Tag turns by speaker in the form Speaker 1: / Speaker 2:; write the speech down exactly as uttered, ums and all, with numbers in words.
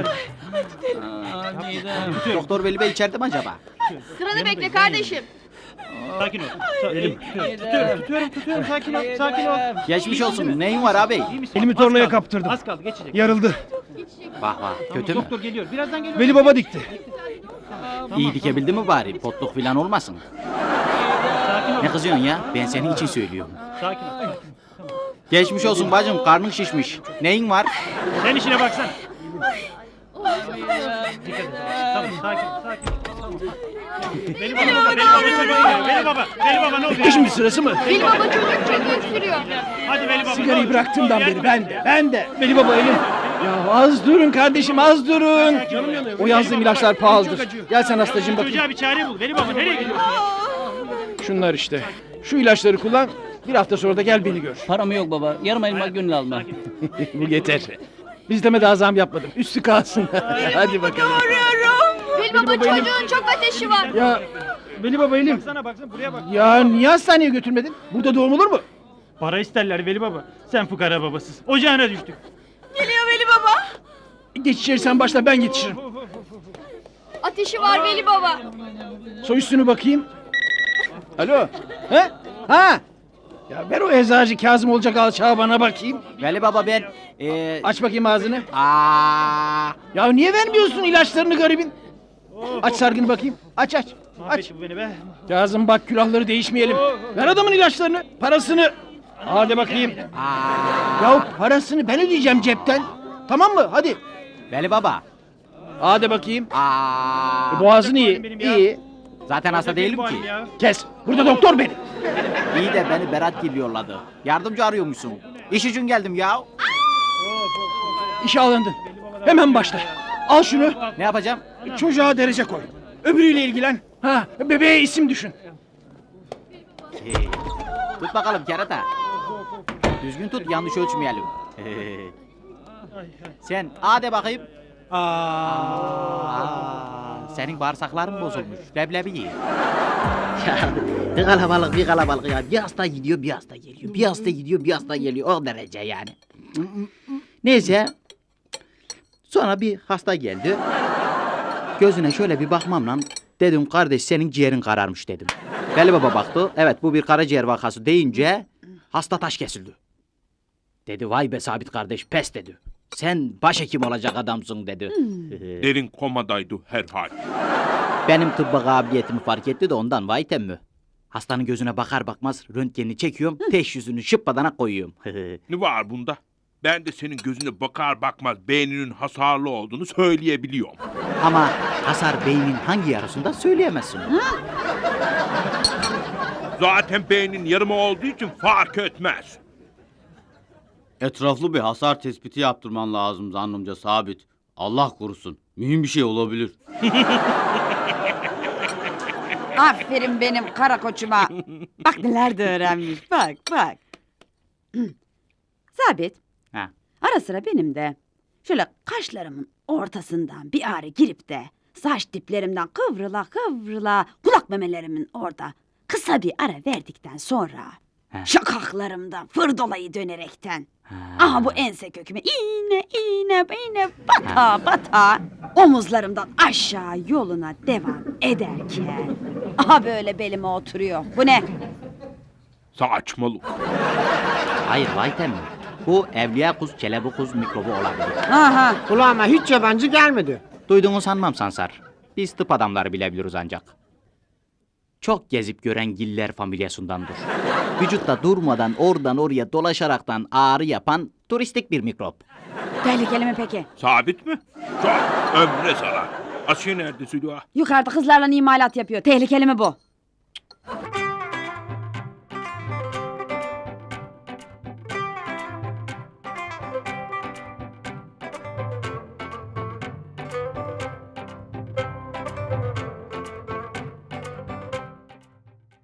Speaker 1: Doktor Veli Bey içeride mi acaba?
Speaker 2: Sıranı bekle kardeşim.
Speaker 3: Sakin ol. Elim. Tutuyorum, tutuyorum, tutuyorum. Sakin ol, sakin ol.
Speaker 1: Geçmiş olsun. Neyin var abi?
Speaker 3: İyi misin?
Speaker 4: Elimi
Speaker 3: Az
Speaker 4: tornaya
Speaker 3: kaldı,
Speaker 4: kaptırdım.
Speaker 3: Az kaldı, geçecek.
Speaker 4: Yarıldı.
Speaker 1: Vah vah. Kötü mü?
Speaker 3: Doktor geliyor, birazdan geliyor.
Speaker 4: Veli Baba dikti.
Speaker 1: İyi dikebildi mi bari? Potluk falan olmasın.
Speaker 3: Sakin ol.
Speaker 1: Ne kızıyorsun ya? Ben senin için söylüyorum.
Speaker 3: Sakin ol.
Speaker 1: Geçmiş olsun bacım. Karnın şişmiş. Neyin var?
Speaker 3: Sen işine baksana. Dikkat et. Tamam, sakin, sakin. Tamam. Veli baba, Veli baba, Veli baba, Veli baba ne oluyor?
Speaker 4: Şimdi sırası mı?
Speaker 2: Veli baba çocuk çocuk öksürüyor.
Speaker 3: Hadi Veli baba.
Speaker 4: Sigarayı
Speaker 3: ne olur?
Speaker 4: bıraktığımdan
Speaker 3: Yardım
Speaker 4: beri ben
Speaker 3: et.
Speaker 4: de, ben de. Veli Baba elim. Ya az durun kardeşim, az durun. O yazdığım ilaçlar pahalıdır. Gel sen hastacığım bakayım.
Speaker 3: Çocuğa bir çare bul. Veli baba nereye gidiyorsun?
Speaker 4: Şunlar işte. Şu ilaçları kullan. Bir hafta sonra da gel beni gör.
Speaker 5: Param yok baba. Yarım elma gönül alma.
Speaker 4: Bu yeter. Biz deme daha zam yapmadım. Üstü kalsın. Hadi bakalım.
Speaker 2: Veli baba çocuğun çok ateşi var.
Speaker 4: Ya Veli Baba elim.
Speaker 3: Baksana baksana buraya bak.
Speaker 4: Ya niye hastaneye götürmedin? Burada doğum olur mu?
Speaker 3: Para isterler Veli baba. Sen fukara babasız. Ocağına düştük.
Speaker 2: Geliyor Veli baba.
Speaker 4: Geç içeri sen başla, ben yetişirim.
Speaker 2: Ateşi var Veli baba.
Speaker 4: Soy üstünü bakayım. Alo. He? Ha? Ya ver o eczacı Kazım olacak alçağı bana bakayım.
Speaker 1: Veli baba ben... Ee...
Speaker 4: Aç bakayım ağzını.
Speaker 1: Aa,
Speaker 4: Ya niye vermiyorsun ilaçlarını garibin? Aç sargını bakayım. Aç aç. Aç.
Speaker 3: Mahvetti bu beni be.
Speaker 4: Kazım bak külahları değişmeyelim. Ver adamın ilaçlarını, parasını. Hadi bakayım.
Speaker 1: aa.
Speaker 4: Ya parasını ben ödeyeceğim cepten. Tamam mı? Hadi.
Speaker 1: Veli baba.
Speaker 4: Hadi bakayım.
Speaker 1: Aa.
Speaker 4: Boğazın
Speaker 3: benim
Speaker 4: iyi.
Speaker 3: ya.
Speaker 4: İyi.
Speaker 1: Zaten hasta değilim ki.
Speaker 3: Ya.
Speaker 4: Kes. Burada doktor benim.
Speaker 1: İyi de beni Berat Gil yolladı. Yardımcı arıyormuşsun. İş için geldim ya.
Speaker 4: İşe alındın. Hemen başla. Al şunu.
Speaker 1: Ne yapacağım?
Speaker 4: Çocuğa derece koy. Öbürüyle ilgilen. Ha, bebeğe isim düşün.
Speaker 1: Ee, tut bakalım kerata. Düzgün tut, yanlış ölçmeyelim. Sen A de bakayım. Aa, senin bağırsakların bozulmuş. Leblebi ye. Ya, bir kalabalık bir kalabalık ya. Bir hasta gidiyor bir hasta geliyor. Bir hasta gidiyor bir hasta geliyor. O derece yani. Neyse. Sonra bir hasta geldi. Gözüne şöyle bir bakmamla dedim kardeş senin ciğerin kararmış dedim. Veli Baba baktı. Evet bu bir karaciğer vakası deyince hasta taş kesildi. Dedi vay be Sabit kardeş pes dedi. Sen başhekim olacak adamsın dedi.
Speaker 6: Derin komadaydı herhal.
Speaker 1: Benim tıbba kabiliyetimi fark etti de ondan vay temmü. Hastanın gözüne bakar bakmaz röntgenini çekiyorum. Teşhisini şıppadana koyuyorum.
Speaker 6: Ne var bunda? Ben de senin gözüne bakar bakmaz beyninin hasarlı olduğunu söyleyebiliyorum.
Speaker 1: Ama hasar beynin hangi yarısında söyleyemezsin.
Speaker 6: Zaten beynin yarımı olduğu için fark etmez.
Speaker 7: Etraflı bir hasar tespiti yaptırman lazım zannımca Sabit. Allah korusun. Mühim bir şey olabilir.
Speaker 8: Aferin benim kara koçuma. Bak neler de öğrenmiş. Bak bak. Sabit.
Speaker 1: Ha.
Speaker 8: Ara sıra benim de şöyle kaşlarımın ortasından bir ağrı girip de saç diplerimden kıvrıla kıvrıla kulak memelerimin orada kısa bir ara verdikten sonra
Speaker 1: Ha.
Speaker 8: şakaklarımdan fırdolayı dönerekten
Speaker 1: Ha.
Speaker 8: aha bu ense köküme iğne iğne iğne bata bata omuzlarımdan aşağı yoluna devam ederken aha böyle belime oturuyor. Bu ne?
Speaker 6: Saçmalık.
Speaker 1: Hayır vay temmü. Bu evliya kuz, çelebi kuz mikrobu olabilir.
Speaker 8: Aha.
Speaker 9: Kulağıma hiç yabancı gelmedi.
Speaker 1: Duyduğunu sanmam Sansar. Biz tıp adamları bilebiliriz ancak. Çok gezip gören giller familyasındandır. Vücutta durmadan oradan oraya dolaşaraktan ağrı yapan turistik bir mikrop.
Speaker 8: Tehlikeli mi peki?
Speaker 6: Sabit mi? Çok ömre zarar. Asiye nerede Südüha?
Speaker 8: Yukarıda kızlarla imalat yapıyor. Tehlikeli mi bu?